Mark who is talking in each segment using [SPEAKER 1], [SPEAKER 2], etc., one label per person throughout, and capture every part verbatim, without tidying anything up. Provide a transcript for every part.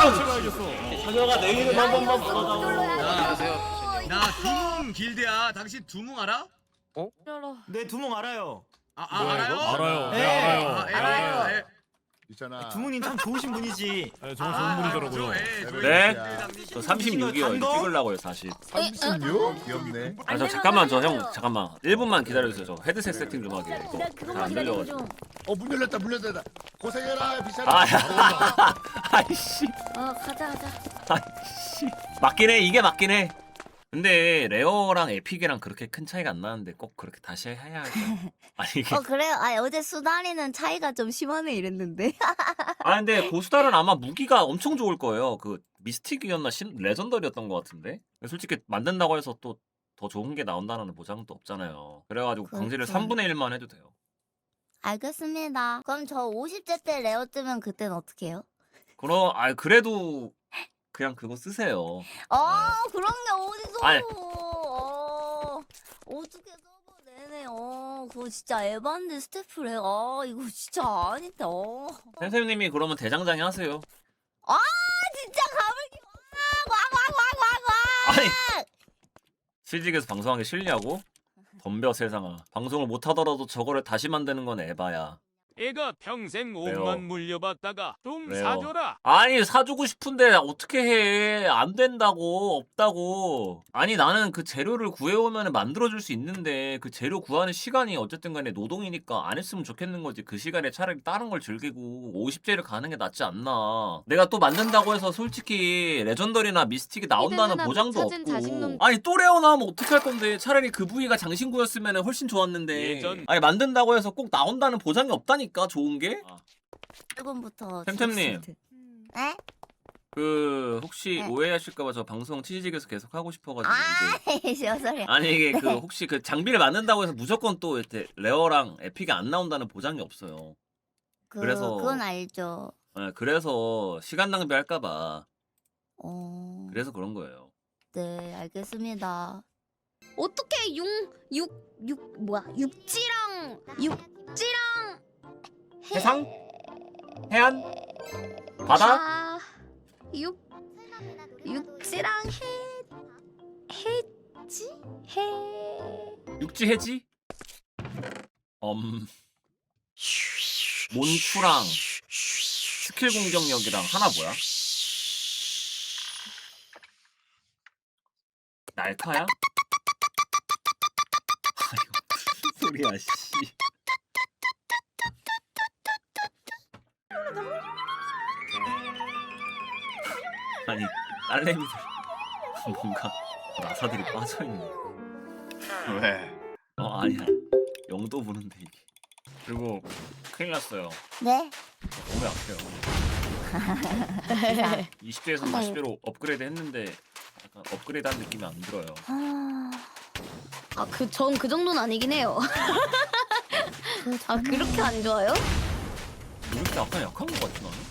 [SPEAKER 1] 찬혁아 내 이름 한 번만
[SPEAKER 2] 아,
[SPEAKER 1] 불러줘.
[SPEAKER 3] 나 두뭉 길드야. 당신 두뭉 알아?
[SPEAKER 4] 네 두몽 알아요.
[SPEAKER 3] 아, 아
[SPEAKER 5] 뭐야,
[SPEAKER 3] 알아요?
[SPEAKER 5] 이거? 알아요.
[SPEAKER 4] 네,
[SPEAKER 5] 네, 알아요.
[SPEAKER 3] 아, 예,
[SPEAKER 2] 알아요.
[SPEAKER 3] 예, 예.
[SPEAKER 6] 있잖아.
[SPEAKER 4] 두몽님 참 좋으신 분이지.
[SPEAKER 5] 네, 정말
[SPEAKER 3] 아,
[SPEAKER 5] 좋은 분이더라고요.
[SPEAKER 3] 저, 예, 저희
[SPEAKER 6] 네?
[SPEAKER 3] 길드장님.
[SPEAKER 1] 저 삼십육이요.
[SPEAKER 4] 단 거?
[SPEAKER 1] 찍으려고요 사실.
[SPEAKER 6] 삼십육? 귀엽네.
[SPEAKER 1] 아 저 잠깐만 저 형 잠깐만 일 분만 기다려주세요. 저 헤드셋 세팅 좀 하게.
[SPEAKER 2] 내가
[SPEAKER 1] 잘안
[SPEAKER 2] 그것만 기다리고
[SPEAKER 1] 들려가지고.
[SPEAKER 2] 좀.
[SPEAKER 6] 어, 문 열렸다, 문 열렸다. 고생해라, 비싼.
[SPEAKER 1] 아, 아이씨,
[SPEAKER 2] 어 가자 가자.
[SPEAKER 1] 아이씨. 맞긴 해. 이게 맞긴 해. 근데 레어랑 에픽이랑 그렇게 큰 차이가 안 나는데 꼭 그렇게 다시 해야 하죠. 아니 이게
[SPEAKER 2] 어 그래요? 아 어제 수다리는 차이가 좀 심하네 이랬는데.
[SPEAKER 1] 아 근데 고수달은 아마 무기가 엄청 좋을 거예요. 그 미스틱이었나 신 레전더리였던 것 같은데. 솔직히 만든다고 해서 또 더 좋은 게 나온다는 보장도 없잖아요. 그래가지고 광질을
[SPEAKER 2] 그렇죠.
[SPEAKER 1] 삼분의 일만 해도 돼요.
[SPEAKER 2] 알겠습니다. 그럼 저 오십 째 때 레어 뜨면 그때는 어떻게 해요?
[SPEAKER 1] 그럼 아 그래도 그냥 그거 쓰세요.
[SPEAKER 2] 아 그런 게 어디서?
[SPEAKER 1] 아니.
[SPEAKER 2] 어 어떻게 서버 내네. 어 그거 진짜 에반데 스태프래. 아 이거 진짜 아닌데. 어.
[SPEAKER 1] 선생님이 그러면 대장장이 하세요.
[SPEAKER 2] 아 진짜 가물기 와와와와와와.
[SPEAKER 1] 아니 실직에서 방송하기 싫냐고? 덤벼 세상아. 방송을 못하더라도 저거를 다시 만드는 건 에바야.
[SPEAKER 7] 애가 평생
[SPEAKER 1] 왜요?
[SPEAKER 7] 옷만 물려봤다가 좀
[SPEAKER 1] 왜요?
[SPEAKER 7] 사줘라.
[SPEAKER 1] 아니 사주고 싶은데 어떻게 해? 안 된다고. 없다고. 아니 나는 그 재료를 구해오면 만들어줄 수 있는데 그 재료 구하는 시간이 어쨌든 간에 노동이니까 안 했으면 좋겠는 거지. 그 시간에 차라리 다른 걸 즐기고 오십 제를 가는 게 낫지 않나. 내가 또 만든다고 해서 솔직히 레전더리나 미스틱이 나온다는
[SPEAKER 8] 히든
[SPEAKER 1] 보장도
[SPEAKER 8] 하나 못 찾은
[SPEAKER 1] 없고.
[SPEAKER 8] 자신놈.
[SPEAKER 1] 아니 또 레어 나오면 어떡할 건데. 차라리 그 부위가 장신구였으면 훨씬 좋았는데.
[SPEAKER 7] 예전-
[SPEAKER 1] 아니 만든다고 해서 꼭 나온다는 보장이 없다니까. 좋은 게?
[SPEAKER 2] 일분부터.
[SPEAKER 1] 템템님.
[SPEAKER 2] 네?
[SPEAKER 1] 그 혹시
[SPEAKER 2] 네.
[SPEAKER 1] 오해하실까봐 저 방송 치즈직에서 계속 하고 싶어가지고
[SPEAKER 2] 아
[SPEAKER 1] 이게
[SPEAKER 2] 저 소리.
[SPEAKER 1] 아니 이게 그
[SPEAKER 2] 네.
[SPEAKER 1] 혹시 그 장비를 만든다고 해서 무조건 또 이렇게 레어랑 에픽이 안 나온다는 보장이 없어요.
[SPEAKER 2] 그,
[SPEAKER 1] 그래서-
[SPEAKER 2] 그건 알죠.
[SPEAKER 1] 네, 그래서 시간 낭비할까봐
[SPEAKER 2] 어.
[SPEAKER 1] 그래서 그런 거예요.
[SPEAKER 2] 네 알겠습니다.
[SPEAKER 8] 어떻게 육육육 뭐야 육지랑 육지랑 해-
[SPEAKER 1] 해상? 해안? 바다?
[SPEAKER 8] 아, 육 육지랑 해 해지 해
[SPEAKER 1] 육지 해지? 음 몬투랑 스킬 공격력이랑 하나 뭐야? 날카야? 아 이거 무슨 소리야 씨. 아니 딸내미들 뭔가 나사들이 빠져있네.
[SPEAKER 6] 왜?
[SPEAKER 1] 어 아니야 영도 부는데 이게. 그리고 큰일 났어요.
[SPEAKER 2] 네?
[SPEAKER 1] 몸이 아파요. 이십 대에서 사십 대로 업그레이드 했는데 약간 업그레이드 한 느낌이 안 들어요.
[SPEAKER 2] 아,
[SPEAKER 8] 아 그 전 그 정도는 아니긴 해요. 아 그렇게 안 좋아요?
[SPEAKER 1] 이렇게 약간 약한 것 같지 나는?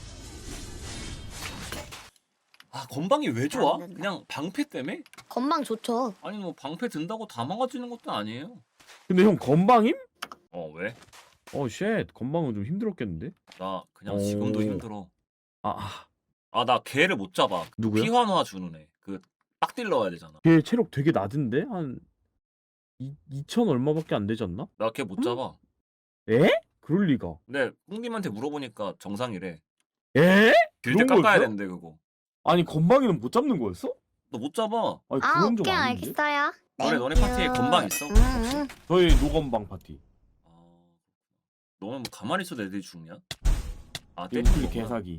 [SPEAKER 1] 아 건방이 왜 좋아?
[SPEAKER 2] 안 된다.
[SPEAKER 1] 그냥 방패 때문에?
[SPEAKER 8] 건방 좋죠.
[SPEAKER 1] 아니 뭐 방패 든다고 다 망가지는 것도 아니에요.
[SPEAKER 5] 근데 형 건방임?
[SPEAKER 1] 어 왜?
[SPEAKER 5] 어, 쉣. 건방은 좀 힘들었겠는데?
[SPEAKER 1] 나 그냥
[SPEAKER 5] 오.
[SPEAKER 1] 지금도 힘들어.
[SPEAKER 5] 아, 아.
[SPEAKER 1] 아 나 걔를 못 잡아.
[SPEAKER 5] 누구야?
[SPEAKER 1] 피환화 주는 애. 그 빡딜 넣어야 되잖아.
[SPEAKER 5] 걔 체력 되게 낮은데? 한 이, 이천 얼마밖에 안 되지 않나?
[SPEAKER 1] 나 걔 못
[SPEAKER 5] 음?
[SPEAKER 1] 잡아.
[SPEAKER 5] 에? 그럴 리가.
[SPEAKER 1] 근데 꿍님한테 물어보니까 정상이래.
[SPEAKER 5] 에?
[SPEAKER 1] 길드
[SPEAKER 5] 그런
[SPEAKER 1] 깎아야
[SPEAKER 5] 거였어?
[SPEAKER 1] 된대 그거.
[SPEAKER 5] 아니 건방이는 못 잡는 거였어?
[SPEAKER 1] 너 못 잡아.
[SPEAKER 5] 아니
[SPEAKER 8] 아
[SPEAKER 5] 그건 좀
[SPEAKER 8] 오케이
[SPEAKER 5] 아닌데?
[SPEAKER 8] 알겠어요.
[SPEAKER 1] 너네 너네
[SPEAKER 2] 땡큐.
[SPEAKER 1] 파티에 건방 있어?
[SPEAKER 8] 음, 음.
[SPEAKER 5] 저희 노건방 파티.
[SPEAKER 1] 아, 너는 뭐 가만히 있어도 애들이 죽냐? 아
[SPEAKER 5] 우클
[SPEAKER 1] 때리는 거구나.
[SPEAKER 5] 개사기.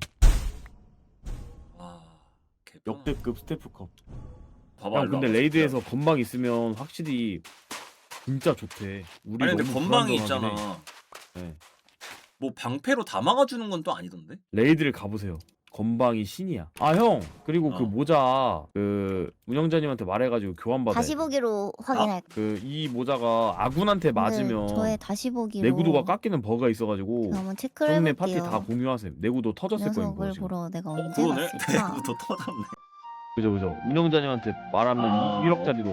[SPEAKER 1] 아 개편.
[SPEAKER 5] 역대급 스태프컵.
[SPEAKER 1] 봐봐.
[SPEAKER 5] 형
[SPEAKER 1] 일로
[SPEAKER 5] 근데
[SPEAKER 1] 와봐,
[SPEAKER 5] 레이드에서
[SPEAKER 1] 진짜.
[SPEAKER 5] 건방 있으면 확실히 진짜 좋대. 우리
[SPEAKER 1] 아니 근데
[SPEAKER 5] 너무
[SPEAKER 1] 건방이
[SPEAKER 5] 불안정하긴
[SPEAKER 1] 있잖아.
[SPEAKER 5] 해. 네.
[SPEAKER 1] 뭐 방패로 다 막아주는 건 또 아니던데?
[SPEAKER 5] 레이드를 가보세요. 건방이 신이야. 아 형 그리고 그
[SPEAKER 1] 어.
[SPEAKER 5] 모자 그 운영자님한테 말해가지고 교환 받아.
[SPEAKER 2] 다시 보기로 확인할.
[SPEAKER 5] 그이 모자가 아군한테 맞으면
[SPEAKER 2] 저의 다시 보기로.
[SPEAKER 5] 내구도가 깎이는 버그가 있어가지고
[SPEAKER 2] 한번 체크를
[SPEAKER 5] 동네
[SPEAKER 2] 해볼게요.
[SPEAKER 5] 파티 다 공유하셈. 내구도 터졌을 거예요.
[SPEAKER 2] 녀석을
[SPEAKER 5] 그거 지금.
[SPEAKER 2] 보러 내가
[SPEAKER 1] 어
[SPEAKER 2] 언제
[SPEAKER 1] 그러네?
[SPEAKER 2] 갔을까?
[SPEAKER 1] 더 터졌네.
[SPEAKER 5] 그죠 그죠. 운영자님한테 말하면 일억짜리로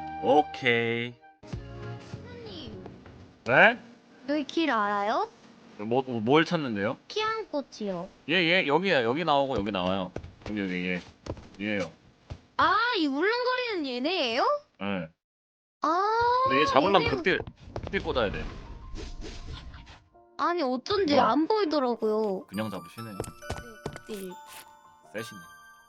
[SPEAKER 1] 오케이.
[SPEAKER 8] 님
[SPEAKER 1] 네?
[SPEAKER 8] 여기 길 알아요?
[SPEAKER 1] 뭐 뭘 찾는데요?
[SPEAKER 8] 키안꽃이요.
[SPEAKER 1] 예예 여기 여기 나오고 여기 나와요. 여기 여기 예 얘예요.
[SPEAKER 8] 아, 이 울렁거리는 얘네예요?
[SPEAKER 1] 예.
[SPEAKER 8] 아.
[SPEAKER 1] 근데 얘 잡으려면
[SPEAKER 8] 얘네-
[SPEAKER 1] 극딜 극딜 꽂아야 돼.
[SPEAKER 8] 아니 어쩐지
[SPEAKER 1] 뭐?
[SPEAKER 8] 안 보이더라고요.
[SPEAKER 1] 그냥 잡으시네.
[SPEAKER 2] 딜.
[SPEAKER 1] 세시네.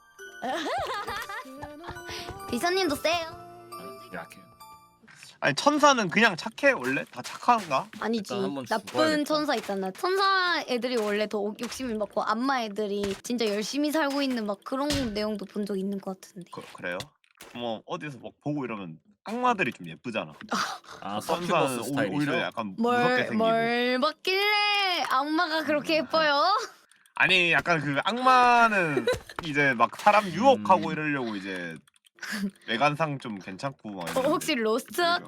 [SPEAKER 2] 비서님도 세요.
[SPEAKER 1] 약해요.
[SPEAKER 9] 아니 천사는 그냥 착해 원래? 다 착한가?
[SPEAKER 8] 아니지.
[SPEAKER 1] 일단 한번
[SPEAKER 8] 나쁜
[SPEAKER 1] 죽어야겠다.
[SPEAKER 8] 천사 있잖아. 천사 애들이 원래 더 욕심이 많고 악마 애들이 진짜 열심히 살고 있는 막 그런 내용도 본 적 있는 것 같은데.
[SPEAKER 9] 그, 그래요? 뭐 어디서 막 보고 이러면 악마들이 좀 예쁘잖아.
[SPEAKER 1] 아
[SPEAKER 9] 천사는
[SPEAKER 1] 서큐버스
[SPEAKER 9] 오-
[SPEAKER 1] 스타일이죠?
[SPEAKER 9] 오히려 약간 무섭게
[SPEAKER 8] 뭘,
[SPEAKER 9] 생기고.
[SPEAKER 8] 뭘 받길래 악마가 그렇게 예뻐요?
[SPEAKER 9] 아니 약간 그 악마는 이제 막 사람 유혹하고
[SPEAKER 1] 음.
[SPEAKER 9] 이러려고 이제 외관상 좀 괜찮고 막
[SPEAKER 8] 어,
[SPEAKER 9] 이러는데.
[SPEAKER 8] 혹시 로스트 아크?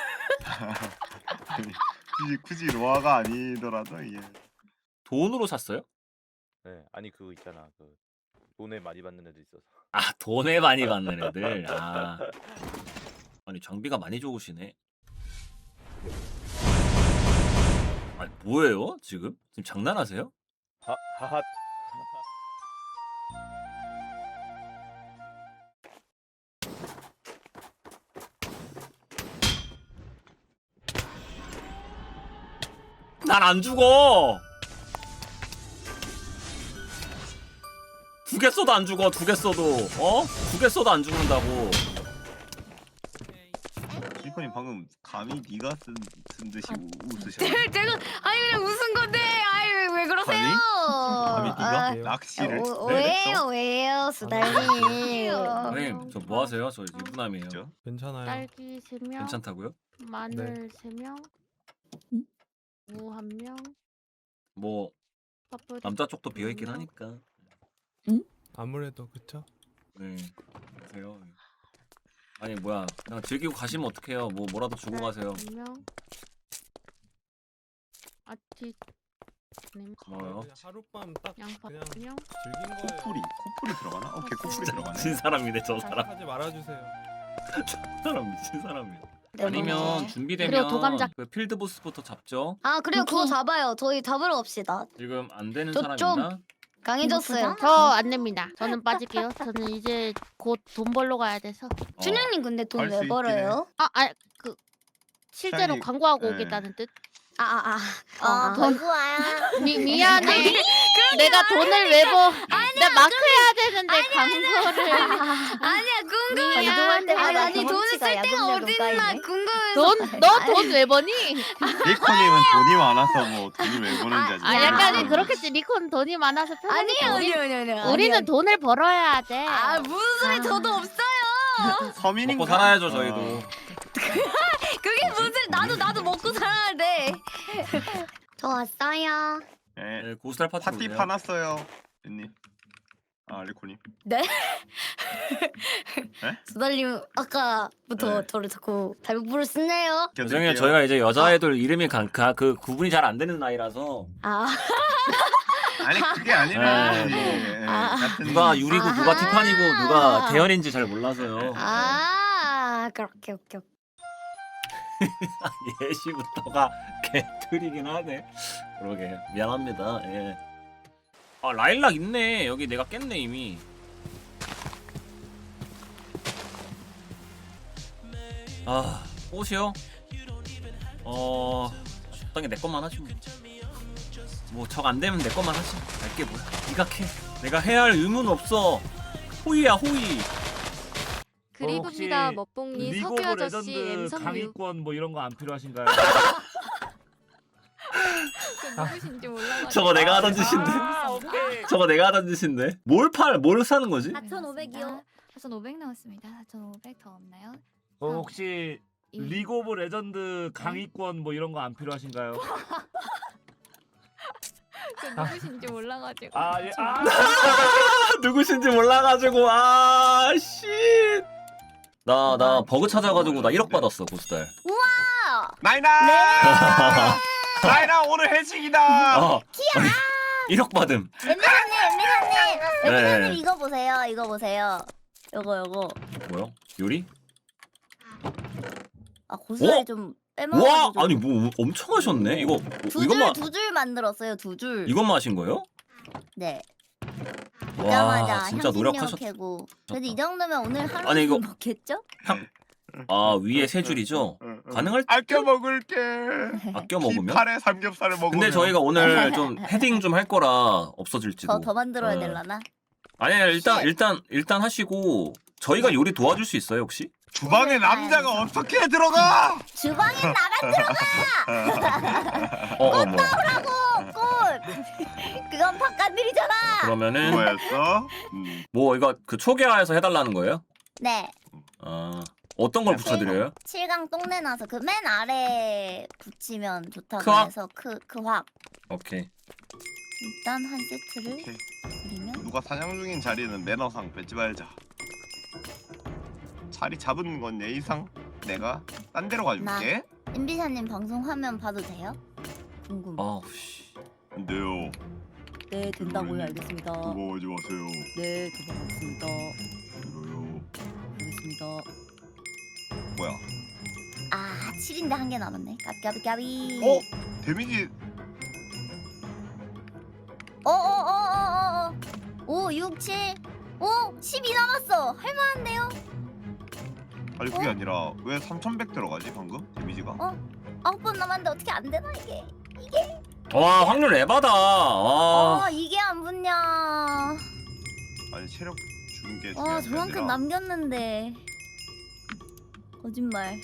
[SPEAKER 9] 아니, 굳이 굳이 로아가 아니더라도 이게
[SPEAKER 1] 돈으로 샀어요?
[SPEAKER 10] 네, 아니 그거 있잖아. 그 돈에 많이 받는 애들 있어서.
[SPEAKER 1] 아 돈에 많이 받는 애들. 아 아니 장비가 많이 좋으시네. 아니 뭐예요 지금? 지금 장난하세요?
[SPEAKER 10] 하 하하.
[SPEAKER 1] 난 안 죽어. 두 개 써도 안 죽어. 두 개 써도 어? 두 개 써도 안 죽는다고.
[SPEAKER 9] 리코님 방금 감히 네가 쓴, 쓴 듯이 우- 웃으셨네.
[SPEAKER 8] 제가 아니 그냥 웃은 건데 아이 왜, 왜 그러세요?
[SPEAKER 9] 감히 네가
[SPEAKER 8] 아,
[SPEAKER 9] 낚시를
[SPEAKER 8] 오,
[SPEAKER 9] 네,
[SPEAKER 8] 왜요 왜요 수달님.
[SPEAKER 1] 선생님 저 뭐 하세요? 저 유부남이에요.
[SPEAKER 9] 그죠?
[SPEAKER 4] 괜찮아요.
[SPEAKER 11] 딸기 세 명,
[SPEAKER 1] 괜찮다고요?
[SPEAKER 11] 마늘 세 명, 무 한 명,
[SPEAKER 1] 뭐
[SPEAKER 11] 파프리
[SPEAKER 1] 남자 쪽도 비어 있긴 하니까.
[SPEAKER 4] 아무래도 그쵸?
[SPEAKER 1] 네. 그러세요. 아니 뭐야 그냥 즐기고 가시면 어떡해요. 뭐 뭐라도 주고 가세요.
[SPEAKER 11] 두 명, 아치 네 명,
[SPEAKER 1] 고마워요.
[SPEAKER 4] 그냥 하룻밤 딱
[SPEAKER 11] 양파
[SPEAKER 4] 그냥
[SPEAKER 11] 한 명,
[SPEAKER 4] 즐긴 거예요.
[SPEAKER 9] 코풀이 코풀이 들어가나? 오케이 코풀이 들어가네.
[SPEAKER 1] 미친 사람이네 저 사람.
[SPEAKER 4] 하지 말아주세요.
[SPEAKER 1] 저 사람 미친 사람이야.
[SPEAKER 8] 네,
[SPEAKER 1] 아니면
[SPEAKER 8] 뭐지?
[SPEAKER 1] 준비되면
[SPEAKER 11] 그리고 도감작.
[SPEAKER 1] 그 필드 보스부터 잡죠.
[SPEAKER 8] 아 그래요 그거
[SPEAKER 2] 오케이.
[SPEAKER 8] 잡아요. 저희 잡으러 갑시다.
[SPEAKER 1] 지금 안 되는
[SPEAKER 8] 저
[SPEAKER 1] 사람
[SPEAKER 8] 좀-
[SPEAKER 1] 있나?
[SPEAKER 8] 강해졌어요.
[SPEAKER 11] 저 안 됩니다. 저는 빠질게요. 저는 이제 곧 돈 벌러 가야 돼서.
[SPEAKER 1] 어.
[SPEAKER 8] 춘향님 근데 돈
[SPEAKER 9] 할수
[SPEAKER 8] 왜
[SPEAKER 9] 있긴
[SPEAKER 8] 벌어요?
[SPEAKER 11] 아, 아, 그 실제로
[SPEAKER 9] 샤이-
[SPEAKER 11] 광고하고
[SPEAKER 9] 네.
[SPEAKER 11] 오겠다는 뜻.
[SPEAKER 8] 아 아 아.
[SPEAKER 2] 아,
[SPEAKER 8] 어,
[SPEAKER 2] 벌구아야.
[SPEAKER 11] 미 미안해. 내가 돈을 왜 벌? 나 마크 해야 되는데 광고를.
[SPEAKER 8] 아니야 궁금해.
[SPEAKER 2] 이동할 때마다
[SPEAKER 8] 아니, 아니 돈을 쓸
[SPEAKER 2] 경험치가
[SPEAKER 8] 데가
[SPEAKER 2] 야금야금
[SPEAKER 8] 어딨나
[SPEAKER 2] 쌓이네.
[SPEAKER 8] 궁금해서.
[SPEAKER 11] 돈, 너 돈 왜 버니?
[SPEAKER 9] 리코님은 돈이 많아서 뭐 돈을 왜 버는지 아직.
[SPEAKER 11] 아, 약간 그렇겠지. 리콘 돈이 많아서 편하니까.
[SPEAKER 8] 아니에요
[SPEAKER 11] 우리-
[SPEAKER 8] 아니에요 아니에요. 아니에요.
[SPEAKER 11] 우리는 돈을 벌어야 돼.
[SPEAKER 8] 아 무슨 소리 저도 없어요.
[SPEAKER 9] 서민인가?
[SPEAKER 1] 먹고 살아야죠 저희도.
[SPEAKER 9] 어.
[SPEAKER 8] 그게 무슨 나도 나도 먹고 살아야 돼. 저 왔어요.
[SPEAKER 9] 네.
[SPEAKER 1] 네, 고스탈 파티
[SPEAKER 9] 파티
[SPEAKER 1] 오세요.
[SPEAKER 9] 파놨어요, 님. 아 리코님.
[SPEAKER 8] 수달님 아까부터
[SPEAKER 9] 네.
[SPEAKER 8] 저를 자꾸 발부를 쓰네요.
[SPEAKER 1] 죄송해요 저희가 이제 여자애들 이름이 간, 가, 그 구분이 잘 안 되는 나이라서
[SPEAKER 8] 아
[SPEAKER 9] 아니 그게 아니라
[SPEAKER 1] 네, 뭐.
[SPEAKER 9] 예,
[SPEAKER 8] 아.
[SPEAKER 9] 같은
[SPEAKER 1] 누가 유리고 누가
[SPEAKER 8] 아하.
[SPEAKER 1] 티파니고 누가 대현인지 잘 몰라서요.
[SPEAKER 8] 아 그렇게 오케이 오케이.
[SPEAKER 1] 예시부터가 개틀이긴 하네. 그러게 미안합니다. 예. 아 라일락 있네. 여기 내가 깼네 이미. 아 옷이요? 어 적당히 내 것만 하지 뭐. 뭐적 안 되면 내 것만 하지. 알게 뭐야. 네가 캐. 내가 해야 할 의무는 없어. 호의야 호의.
[SPEAKER 11] 그리고입니다. 먹봉이
[SPEAKER 10] 리그
[SPEAKER 11] 석유
[SPEAKER 10] 오브
[SPEAKER 11] 아저씨
[SPEAKER 10] 레전드
[SPEAKER 11] 엠성유
[SPEAKER 10] 강의권 뭐 이런 거 안 필요하신가요?
[SPEAKER 11] 누구신지 몰라가지고.
[SPEAKER 1] 저거 내가 하던 짓인데.
[SPEAKER 10] 아, 오케이.
[SPEAKER 1] 저거 내가 하던 짓인데. 뭘 팔? 뭘 사는 거지?
[SPEAKER 2] 사천오백이요.
[SPEAKER 11] 사천오백 나왔습니다. 사천오백 더 없나요?
[SPEAKER 10] 어, 혹시
[SPEAKER 11] 이-
[SPEAKER 10] 리그 오브 레전드 강의권 뭐 이런 거 안 필요하신가요?
[SPEAKER 11] 저 누구신지 몰라가지고.
[SPEAKER 10] 아, 예. 아,
[SPEAKER 1] 누구신지 몰라가지고 아 씨. 나 나 버그 찾아가지고 나 일억 받았어 고스달.
[SPEAKER 9] 나이나.
[SPEAKER 1] 네.
[SPEAKER 9] 나이나 오늘 회식이다.
[SPEAKER 1] 어. 아니, 일억 받음.
[SPEAKER 2] 엠비사님, 엠비사님,
[SPEAKER 1] 네.
[SPEAKER 2] 엠비사님 이거 보세요. 이거 보세요. 요거 요거.
[SPEAKER 1] 뭐요? 요리?
[SPEAKER 2] 아 고스란히
[SPEAKER 1] 어?
[SPEAKER 2] 좀 빼먹어.
[SPEAKER 1] 와 아니 뭐 엄청 하셨네. 이거
[SPEAKER 2] 두줄
[SPEAKER 1] 이것만
[SPEAKER 2] 두 줄 만들었어요. 두 줄.
[SPEAKER 1] 이것만 하신 거예요?
[SPEAKER 2] 네.
[SPEAKER 1] 와
[SPEAKER 2] 오자마자
[SPEAKER 1] 진짜
[SPEAKER 2] 향신료
[SPEAKER 1] 노력하셨.
[SPEAKER 2] 캐고. 그래도 이 정도면 오늘 하루
[SPEAKER 1] 아니, 이거-
[SPEAKER 2] 먹겠죠?
[SPEAKER 1] 아 위에 세 줄이죠?
[SPEAKER 9] 응, 응.
[SPEAKER 1] 가능할
[SPEAKER 9] 아껴 먹을게.
[SPEAKER 1] 아껴 먹으면?
[SPEAKER 9] 팔에 삼겹살을 먹으면.
[SPEAKER 1] 근데 저희가 오늘 좀 헤딩 좀 할 거라 없어질지도.
[SPEAKER 2] 더 더 만들어야
[SPEAKER 1] 어.
[SPEAKER 2] 될라나?
[SPEAKER 1] 아니 아니, 일단
[SPEAKER 2] 쉣.
[SPEAKER 1] 일단 일단 하시고 저희가 요리 도와줄 수 있어요 혹시?
[SPEAKER 9] 주방에 남자가 어떻게 들어가?
[SPEAKER 2] 주방에 나가
[SPEAKER 1] 어, 어 뭐.
[SPEAKER 2] 들어가고 꽃. 그건 바깥일이잖아.
[SPEAKER 1] 그러면은
[SPEAKER 9] 뭐였어? 음.
[SPEAKER 1] 뭐 이거 그 초기화해서 해달라는 거예요?
[SPEAKER 2] 네.
[SPEAKER 1] 아 어떤 걸 붙여드려요?
[SPEAKER 2] 칠강 똥내 나서 그 맨 아래 붙이면 좋다고
[SPEAKER 1] 크악?
[SPEAKER 2] 해서 그 그 확.
[SPEAKER 1] 오케이.
[SPEAKER 2] 일단 한 세트를
[SPEAKER 9] 오케이.
[SPEAKER 2] 드리면
[SPEAKER 9] 누가 사냥 중인 자리는 매너상 뺏지 말자. 자리 잡은 건 예의상 내가 딴 데로 가줄게.
[SPEAKER 2] 엠비샤님 방송 화면 봐도 돼요? 궁금.
[SPEAKER 1] 아우 씨.
[SPEAKER 9] 안 돼요.
[SPEAKER 2] 네 된다고요. 알겠습니다.
[SPEAKER 9] 그거 하지 마세요.
[SPEAKER 2] 네 도망가겠습니다.
[SPEAKER 9] 싫어요.
[SPEAKER 2] 알겠습니다.
[SPEAKER 9] 뭐야?
[SPEAKER 2] 아 칠인데 한 개 남았네. 까비 까비 까비.
[SPEAKER 9] 어? 데미지
[SPEAKER 2] 어어어어어어. 오 육 칠. 오 십이 남았어. 할만한데요?
[SPEAKER 9] 아니 그게
[SPEAKER 2] 어?
[SPEAKER 9] 아니라 왜 삼천백 들어가지 방금 데미지가?
[SPEAKER 2] 어? 아홉 번 남았는데 어떻게 안 되나 이게? 이게?
[SPEAKER 1] 와 확률 에바다. 와.
[SPEAKER 2] 어 이게 안 붙냐?
[SPEAKER 9] 아니 체력 주는 게
[SPEAKER 2] 와
[SPEAKER 9] 중요한 게
[SPEAKER 2] 저만큼
[SPEAKER 9] 아니라
[SPEAKER 2] 남겼는데 거짓말.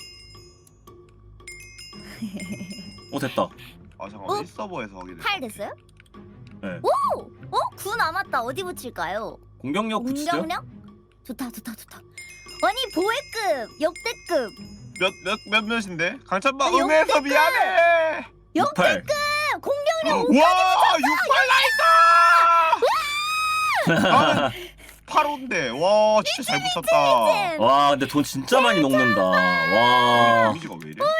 [SPEAKER 1] 어 됐다.
[SPEAKER 9] 아 잠깐
[SPEAKER 2] 어?
[SPEAKER 9] 만 일 서버에서 하게 됐어.
[SPEAKER 2] 팔 됐어요?
[SPEAKER 1] 네.
[SPEAKER 2] 오! 어? 구 남았다. 어디 붙일까요?
[SPEAKER 1] 공격력 붙이죠?
[SPEAKER 2] 공격력? 좋다 좋다 좋다. 아니 보회급 역대급
[SPEAKER 9] 몇몇 몇 몇인데? 강찬바
[SPEAKER 2] 아니,
[SPEAKER 9] 응해서
[SPEAKER 2] 역대급!
[SPEAKER 9] 미안해.
[SPEAKER 1] 육팔.
[SPEAKER 2] 공격력
[SPEAKER 9] 와 육팔 나이스. 팔호인데 와 진짜 잘 붙였다.
[SPEAKER 1] 와 근데 돈 진짜 많이 녹는다. 와
[SPEAKER 9] 데미지가 왜 이래?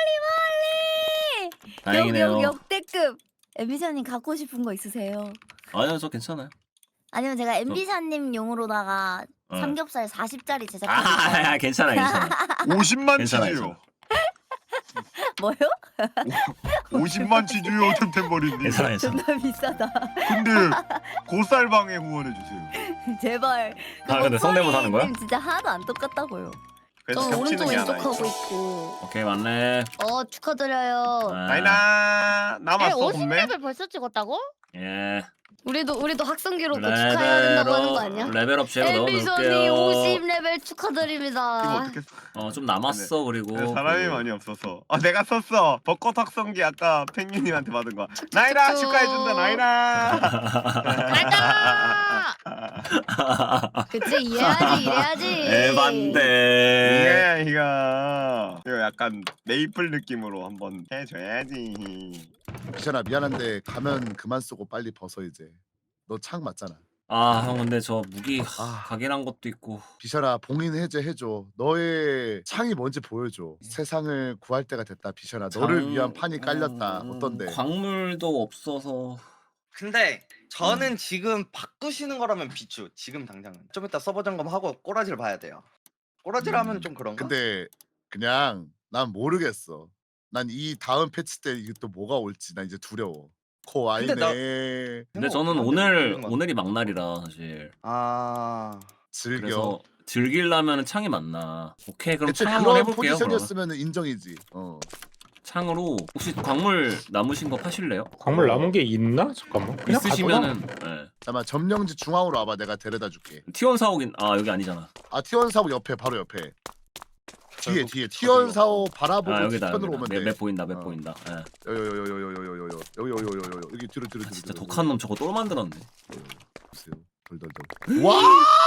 [SPEAKER 1] 다행이네요.
[SPEAKER 2] 역, 역, 역대급. 엠비샤님 갖고 싶은 거 있으세요?
[SPEAKER 1] 아니요 저 괜찮아요.
[SPEAKER 2] 아니면 제가 엠비샤님 용으로다가
[SPEAKER 1] 어.
[SPEAKER 2] 삼겹살 사십짜리
[SPEAKER 1] 아,
[SPEAKER 2] 제작해드릴까요?
[SPEAKER 1] 아 괜찮아 괜찮아.
[SPEAKER 9] 오십만
[SPEAKER 1] 괜찮아,
[SPEAKER 9] 치즈요.
[SPEAKER 2] 뭐요?
[SPEAKER 9] 오십만 치즈요 템템버리님.
[SPEAKER 1] 괜찮아 괜찮아.
[SPEAKER 2] 존나 비싸다.
[SPEAKER 9] 근데 고쌀방에 후원해 주세요.
[SPEAKER 2] 제발.
[SPEAKER 1] 아, 근데 성대모사 하는 거야?
[SPEAKER 2] 목소리 진짜 하나도 안 똑같다고요.
[SPEAKER 9] 그래서
[SPEAKER 8] 저
[SPEAKER 9] 겹치는
[SPEAKER 8] 오른쪽
[SPEAKER 9] 게 하나
[SPEAKER 8] 왼쪽 하고
[SPEAKER 9] 있어.
[SPEAKER 8] 있고.
[SPEAKER 1] 오케이 맞네.
[SPEAKER 8] 어 축하드려요.
[SPEAKER 1] 아,
[SPEAKER 9] 나이나 남았어
[SPEAKER 11] 오십
[SPEAKER 9] 분매.
[SPEAKER 11] 레벨 벌써 찍었다고?
[SPEAKER 1] 예.
[SPEAKER 8] 우리도 우리도 학생 기록 축하해야 된다고 하는 거 아니야?
[SPEAKER 1] 레벨업 제로
[SPEAKER 8] 엠비션이
[SPEAKER 1] 넣어놓을게요.
[SPEAKER 8] 오십 레벨
[SPEAKER 9] 이거
[SPEAKER 8] 축하드립니다.
[SPEAKER 9] 어떻게 써?
[SPEAKER 1] 어좀 남았어 그리고.
[SPEAKER 9] 근데 사람이
[SPEAKER 1] 그-
[SPEAKER 9] 많이 없어서. 아 내가 썼어. 벚꽃 확성기 아까 펭귄님한테 받은 거. 나이나 축하해준다 나이나.
[SPEAKER 11] 가자.
[SPEAKER 8] 그치 이래야지 이래야지.
[SPEAKER 1] 에반데.
[SPEAKER 9] 이게 이거 이거 약간 메이플 느낌으로 한번 해줘야지.
[SPEAKER 6] 비샤나 미안한데 가면 그만 쓰고 빨리 벗어 이제. 너 창 맞잖아.
[SPEAKER 1] 아 형 근데 저 무기
[SPEAKER 6] 아.
[SPEAKER 1] 각인한 것도 있고.
[SPEAKER 6] 비샤나 봉인 해제 해줘. 너의 창이 뭔지 보여줘. 세상을 구할 때가 됐다 비샤나. 너를
[SPEAKER 1] 장-
[SPEAKER 6] 위한 판이 깔렸다.
[SPEAKER 1] 음,
[SPEAKER 6] 어떤데?
[SPEAKER 1] 광물도 없어서.
[SPEAKER 12] 근데 저는 지금 바꾸시는 거라면 비추. 지금 당장은. 좀 이따 서버 점검하고 꼬라지를 봐야 돼요. 꼬라지를 하면 좀 그런가?
[SPEAKER 6] 근데 그냥 난 모르겠어. 난 이 다음 패치 때 이게 또 뭐가 올지 난 이제 두려워. 코 아이네.
[SPEAKER 12] 근데 나-
[SPEAKER 1] 근데 저는
[SPEAKER 12] 생각
[SPEAKER 1] 오늘
[SPEAKER 12] 없는 것 같아.
[SPEAKER 1] 오늘이 막날이라 사실.
[SPEAKER 12] 아
[SPEAKER 6] 즐겨.
[SPEAKER 1] 그래서 즐기려면 창이 맞나. 오케이 그럼
[SPEAKER 6] 대체
[SPEAKER 1] 창 한번
[SPEAKER 6] 그런
[SPEAKER 1] 해볼게요. 그러면.
[SPEAKER 6] 포지션이었으면 인정이지. 어.
[SPEAKER 1] 창으로 혹시 광물 남으신 거 파실래요?
[SPEAKER 5] 광물 남은 게 있나? 잠깐만. 그냥 가져가.
[SPEAKER 1] 있으시면은 네.
[SPEAKER 6] 잠깐만 점령지 중앙으로 와봐. 내가 데려다 줄게.
[SPEAKER 1] 티원 사옥인 아 여기 아니잖아.
[SPEAKER 6] 아 티원 사옥 옆에 바로 옆에. 뒤에
[SPEAKER 12] 결국
[SPEAKER 6] 뒤에
[SPEAKER 12] 저기요.
[SPEAKER 6] 티원 사옥 바라보고
[SPEAKER 1] 아 여기다
[SPEAKER 6] 뒤편으로
[SPEAKER 1] 여기다.
[SPEAKER 6] 오면
[SPEAKER 1] 맵,
[SPEAKER 6] 돼.
[SPEAKER 1] 맵 보인다 맵
[SPEAKER 6] 어.
[SPEAKER 1] 보인다. 예.
[SPEAKER 6] 여기 여기 여기 여기 여기 여기 여기 여기 여기 여기 여기 여기 뒤로 뒤로
[SPEAKER 1] 아,
[SPEAKER 6] 뒤로.
[SPEAKER 1] 진짜
[SPEAKER 6] 뒤로,
[SPEAKER 1] 독한 놈 저거 똘 만들었네.
[SPEAKER 6] 보세요. 돌돌돌. 와!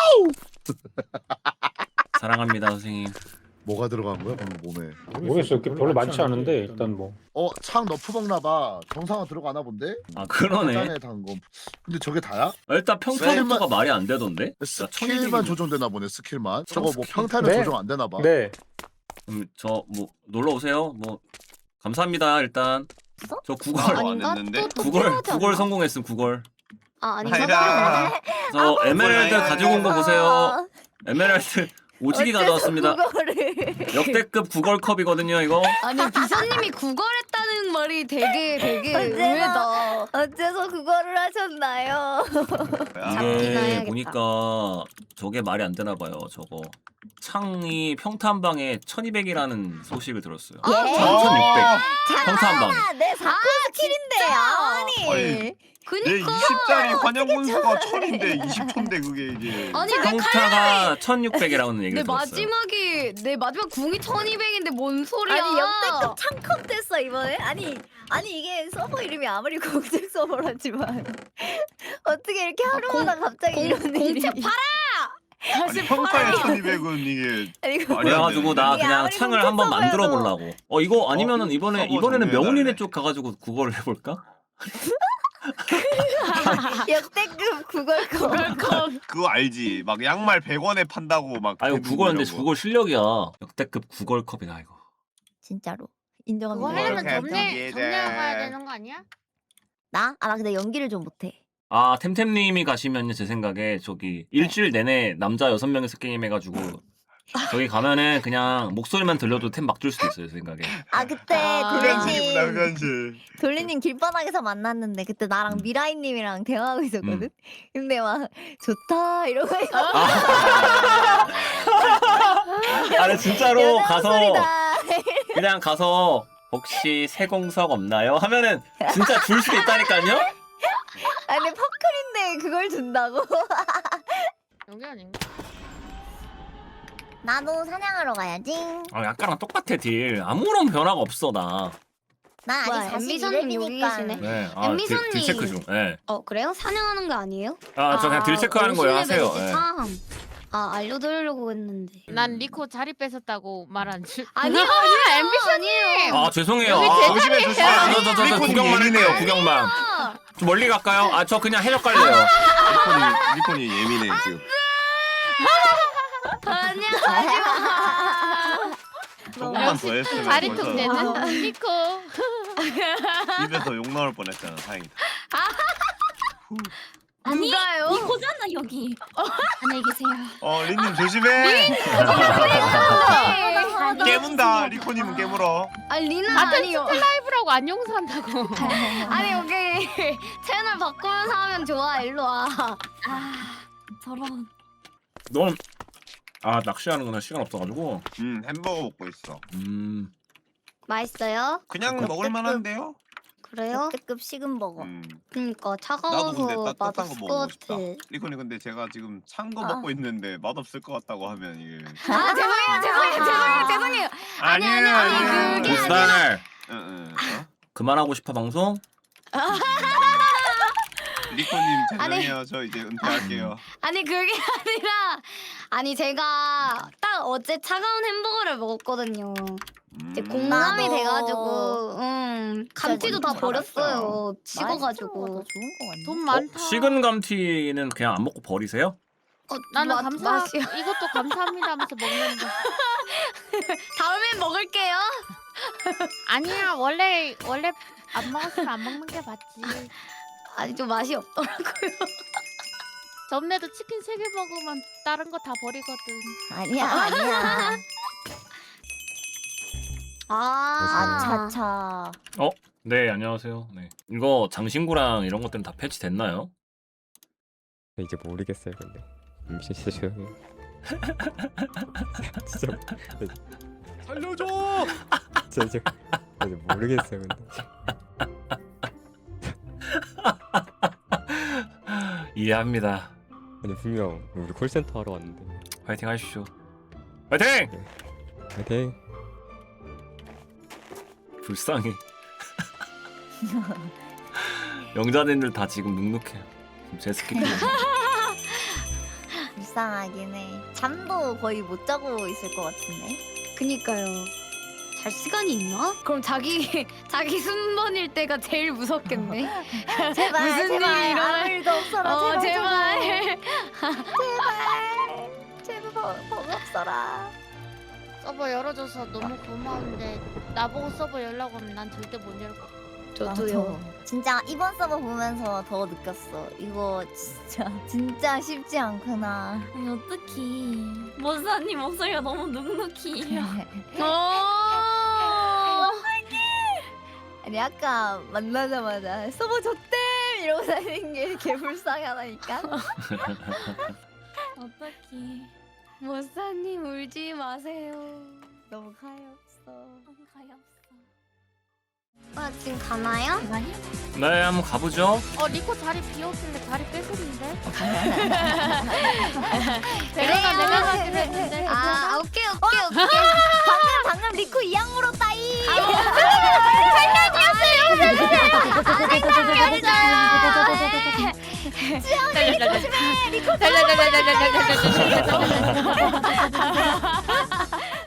[SPEAKER 1] 사랑합니다 선생님.
[SPEAKER 6] 뭐가 들어간 거야 방금 몸에?
[SPEAKER 5] 모르겠어. 이렇게 별로 많지 않은데 일단 뭐.
[SPEAKER 6] 어, 창 너프 먹나 봐. 정상화 들어가나 본데?
[SPEAKER 1] 아 그러네.
[SPEAKER 6] 짠에 담금. 근데 저게 다야?
[SPEAKER 1] 일단 평타부터가 말이 안 되던데.
[SPEAKER 6] 스킬만 조정되나 보네. 스킬만. 저거 뭐 평타는
[SPEAKER 5] 네.
[SPEAKER 6] 조정 안 되나 봐.
[SPEAKER 5] 네.
[SPEAKER 1] 그럼 저 뭐 놀러 오세요. 뭐 감사합니다 일단. 저 구걸
[SPEAKER 9] 아,
[SPEAKER 8] 아닌가?
[SPEAKER 9] 왔는데?
[SPEAKER 8] 또, 또
[SPEAKER 1] 구걸
[SPEAKER 8] 필요하지
[SPEAKER 1] 구걸
[SPEAKER 8] 않나?
[SPEAKER 1] 성공했음 구걸.
[SPEAKER 8] 아 아닌가?
[SPEAKER 9] 나이나.
[SPEAKER 1] 저 에메랄드
[SPEAKER 9] 아이고.
[SPEAKER 1] 가지고 온 거 보세요. 에메랄드 오지기 가져왔습니다.
[SPEAKER 2] 그거를
[SPEAKER 1] 역대급 구걸컵이거든요 이거.
[SPEAKER 8] 아니 비서님이 구걸했다는 말이 되게 되게
[SPEAKER 2] 어째서-
[SPEAKER 8] 의외다.
[SPEAKER 2] 어째서 그거를 하셨나요?
[SPEAKER 8] 잡기나
[SPEAKER 1] 이게
[SPEAKER 8] 해야겠다.
[SPEAKER 1] 보니까 저게 말이 안 되나 봐요. 저거 창이 평탄방에 천이백이라는 소식을 들었어요.
[SPEAKER 2] 예?
[SPEAKER 1] 천육백. 평탄방에.
[SPEAKER 2] 아, 내 사쿠 스킬인데 아니.
[SPEAKER 9] 아니,
[SPEAKER 8] 그니까
[SPEAKER 9] 내 이십 짜리 환영 분수가 천인데 이십 초인데 그게 이게.
[SPEAKER 8] 아니 내
[SPEAKER 1] 평타가 천육백이라는
[SPEAKER 8] 내
[SPEAKER 1] 얘기를 들었어요.
[SPEAKER 8] 마지막이 내 마지막 궁이 천이백인데 뭔 소리야?
[SPEAKER 2] 아니 역대급 창컵 됐어 이번에. 아니 아니 이게 서버 이름이 아무리 공책 서버라지만 어떻게 이렇게 하루마다 갑자기
[SPEAKER 8] 공-
[SPEAKER 2] 이런 일이.
[SPEAKER 8] 공책 팔아! 다시
[SPEAKER 9] 아니 평타의
[SPEAKER 8] 팔아!
[SPEAKER 9] 천이백은 이게
[SPEAKER 2] 아니, 이거
[SPEAKER 9] 말이 안
[SPEAKER 1] 그래가지고 나
[SPEAKER 2] 이게
[SPEAKER 1] 그냥
[SPEAKER 2] 아무리
[SPEAKER 1] 창을 한번
[SPEAKER 2] 공책
[SPEAKER 1] 만들어
[SPEAKER 2] 서버여도-
[SPEAKER 1] 보려고. 어 이거 아니면은 이번에
[SPEAKER 9] 서버
[SPEAKER 1] 이번에는
[SPEAKER 9] 정리해달래.
[SPEAKER 1] 명훈이네 쪽 가가지고 그걸 해볼까?
[SPEAKER 2] 역대급 구걸컵.
[SPEAKER 9] 그거 알지? 막 양말 백 원에 판다고 막.
[SPEAKER 1] 아 이거
[SPEAKER 9] 대부분
[SPEAKER 1] 구걸인데
[SPEAKER 9] 이런 거.
[SPEAKER 1] 구걸 실력이야. 역대급 구걸컵이다 이거.
[SPEAKER 2] 진짜로
[SPEAKER 11] 그거
[SPEAKER 2] 인정합니다.
[SPEAKER 11] 하려면
[SPEAKER 9] 그렇게
[SPEAKER 11] 점례
[SPEAKER 9] 하면
[SPEAKER 11] 점례 가야
[SPEAKER 9] 이제-
[SPEAKER 11] 되는 거 아니야?
[SPEAKER 2] 나? 아 나 근데 연기를 좀 못해.
[SPEAKER 1] 아 템템님이 가시면요 제 생각에 저기 일주일 내내 남자 여섯 명이서 게임 해가지고 저기 가면은 그냥 목소리만 들려도 템 막 줄 수도 있어요 제 생각에.
[SPEAKER 2] 아 그때
[SPEAKER 8] 아,
[SPEAKER 9] 현실이구나
[SPEAKER 2] 돌리님
[SPEAKER 9] 현실.
[SPEAKER 2] 돌리님 길바닥에서 만났는데 그때 나랑
[SPEAKER 1] 음.
[SPEAKER 2] 미라이님이랑 대화하고 있었거든.
[SPEAKER 1] 음.
[SPEAKER 2] 근데 막 좋다 이러고 있어.
[SPEAKER 1] 아, 아니 진짜로 가서 그냥 가서 혹시 세공석 없나요? 하면은 진짜 줄 수도 있다니까요?
[SPEAKER 2] 아니 퍼클인데 그걸 준다고?
[SPEAKER 11] 여기 아닌가?
[SPEAKER 2] 나도 사냥하러 가야지.
[SPEAKER 1] 아 약간랑 똑같아 딜. 아무런 변화가 없어 나.
[SPEAKER 2] 나
[SPEAKER 8] 뭐야,
[SPEAKER 2] 아직 사실
[SPEAKER 8] 엠비선님 여기
[SPEAKER 2] 이렙이니까.
[SPEAKER 8] 계시네?
[SPEAKER 1] 네. 아, 딜,
[SPEAKER 8] 엠비선님.
[SPEAKER 1] 딜 체크 중. 네.
[SPEAKER 8] 어 그래요? 사냥하는 거 아니에요?
[SPEAKER 1] 아 저 그냥 딜 체크하는 거예요
[SPEAKER 8] 오십
[SPEAKER 1] 하세요.
[SPEAKER 8] 레벨이지,
[SPEAKER 1] 네.
[SPEAKER 8] 참. 아 알려드리려고 했는데.
[SPEAKER 11] 난 리코 자리 뺏었다고 말 안 줄.
[SPEAKER 8] 아니요 아니요 엠비션이에요.
[SPEAKER 1] 아 죄송해요.
[SPEAKER 11] 여기
[SPEAKER 1] 아,
[SPEAKER 9] 조심해 조심해.
[SPEAKER 1] 아, 저, 저, 저, 저
[SPEAKER 9] 리콘이
[SPEAKER 1] 구경만
[SPEAKER 9] 예민해요.
[SPEAKER 1] 할게요. 구경만. 좀 멀리 갈까요? 아 저 그냥 해적 갈래요.
[SPEAKER 9] 리콘이 리콘이 예민해 지금.
[SPEAKER 8] 아니야 하지마.
[SPEAKER 9] 조금만 더 했으면
[SPEAKER 11] 자리
[SPEAKER 9] 벌써
[SPEAKER 11] 통제는 리코.
[SPEAKER 9] 입에서 욕 나올 뻔했잖아. 다행이다.
[SPEAKER 2] 아니
[SPEAKER 8] 누가요?
[SPEAKER 2] 이거잖아 여기. 안녕히 계세요.
[SPEAKER 9] 어 린님 조심해.
[SPEAKER 8] 네.
[SPEAKER 9] 깨문다. 리코님은 깨물어.
[SPEAKER 8] 아 리나
[SPEAKER 11] 같은
[SPEAKER 8] 아니요.
[SPEAKER 11] 라이브라고 안 용서한다고.
[SPEAKER 8] 아니 여기 채널 바꾸면서 하면 좋아. 일로 와.
[SPEAKER 2] 아 저런.
[SPEAKER 1] 넌 아 낚시하는구나 시간 없어가지고.
[SPEAKER 9] 음 햄버거 먹고 있어.
[SPEAKER 1] 음.
[SPEAKER 8] 맛있어요?
[SPEAKER 9] 그냥
[SPEAKER 2] 역대급-
[SPEAKER 9] 먹을 만한데요?
[SPEAKER 8] 그래요?
[SPEAKER 2] 역대급 식은 버거.
[SPEAKER 9] 음.
[SPEAKER 8] 그니까
[SPEAKER 9] 나도
[SPEAKER 8] 차가워서
[SPEAKER 9] 근데 따뜻한 거
[SPEAKER 8] 맛없을 것
[SPEAKER 9] 먹고 싶다.
[SPEAKER 8] 같아.
[SPEAKER 9] 리코님 근데 제가 지금 찬 거
[SPEAKER 2] 아.
[SPEAKER 9] 먹고 있는데 맛 없을 것 같다고 하면 이게.
[SPEAKER 8] 아 죄송해요 죄송해요 죄송해요 죄송해요. 아니, 아니, 아니, 그게
[SPEAKER 1] 무스달
[SPEAKER 9] 응, 응. 어?
[SPEAKER 1] 그만하고 싶어 방송?
[SPEAKER 9] 리코님
[SPEAKER 8] 아니.
[SPEAKER 9] 죄송해요. 저 이제 은퇴할게요.
[SPEAKER 8] 아니 그게 아니라 아니 제가 딱 어제 차가운 햄버거를 먹었거든요. 이제
[SPEAKER 9] 음.
[SPEAKER 8] 공감이
[SPEAKER 2] 나도.
[SPEAKER 8] 돼가지고 음 감튀도 다
[SPEAKER 9] 진짜
[SPEAKER 8] 버렸어요. 식어가지고.
[SPEAKER 2] 좋은 거 같네.
[SPEAKER 11] 돈
[SPEAKER 1] 어?
[SPEAKER 11] 많다.
[SPEAKER 1] 식은 감튀는 그냥 안 먹고 버리세요?
[SPEAKER 8] 어,
[SPEAKER 11] 나는
[SPEAKER 8] 맛-
[SPEAKER 11] 감사.
[SPEAKER 8] 맛이-
[SPEAKER 11] 이것도 감사합니다 하면서 먹는데.
[SPEAKER 8] 다음엔 먹을게요.
[SPEAKER 11] 아니야 원래 원래 안 먹었으면 안 먹는 게 맞지.
[SPEAKER 8] 아니 좀 맛이 없더라고요.
[SPEAKER 11] 전에도 치킨 세 개 먹으면 다른 거 다 버리거든.
[SPEAKER 2] 아니야 아니야.
[SPEAKER 8] 아,
[SPEAKER 2] 아차차.
[SPEAKER 1] 네 안녕하세요. 네 이거 장신구랑 이런 것들은 다 패치됐나요?
[SPEAKER 13] 이제 모르겠어요 근데 음, 진짜 조용히 진짜
[SPEAKER 4] 살려줘.
[SPEAKER 13] 진짜 이제 이제 모르겠어요 근데
[SPEAKER 1] 이해합니다.
[SPEAKER 13] 아니 분명 우리 콜센터 하러 왔는데
[SPEAKER 1] 화이팅 하십시오. 화이팅!
[SPEAKER 13] 파이팅
[SPEAKER 1] 불쌍해. 영자님들 다 지금 눅눅해요. 제스키.
[SPEAKER 2] 불쌍하긴 해. 잠도 거의 못 자고 있을 것 같은데.
[SPEAKER 8] 그니까요. 잘 시간이 있나? 그럼 자기 자기 순번일 때가 제일 무섭겠네.
[SPEAKER 2] 제발
[SPEAKER 8] 무슨
[SPEAKER 2] 제발
[SPEAKER 8] 일이 일어나-
[SPEAKER 2] 아무 일도 없어라.
[SPEAKER 8] 어
[SPEAKER 2] 제발
[SPEAKER 8] 제발.
[SPEAKER 2] 제발 제발 버- 버거 없어라.
[SPEAKER 11] 서버 열어줘서 너무 고마운데 나보고 서버 열라고 하면 난 절대 못 열 거.
[SPEAKER 8] 저도요.
[SPEAKER 2] 진짜 이번 서버 보면서 더 느꼈어. 이거 진짜 진짜 쉽지 않구나.
[SPEAKER 11] 아니 어떡해. 모사님 목소리가 너무 눅눅히.
[SPEAKER 8] 어.
[SPEAKER 2] 아니 아까 만나자마자 서버 줬댐 이러고 다니는 게 개불쌍하다니까.
[SPEAKER 11] 어떡해.
[SPEAKER 8] 모사님 울지 마세요.
[SPEAKER 2] 너무 가엾어.
[SPEAKER 11] 너무 가엾어.
[SPEAKER 8] 아 지금 가나요?
[SPEAKER 1] 네, 한번 가보죠.
[SPEAKER 11] 어 리코 자리 비었길래 자리 뺏으는데?
[SPEAKER 8] 내가
[SPEAKER 11] 내가
[SPEAKER 8] 가기로
[SPEAKER 11] 가기로 했는데.
[SPEAKER 8] 아 오케이 오케이 오케이.
[SPEAKER 2] 방금 방금 리코 이양 물었다이.
[SPEAKER 11] 살려주세요. 살려주세요.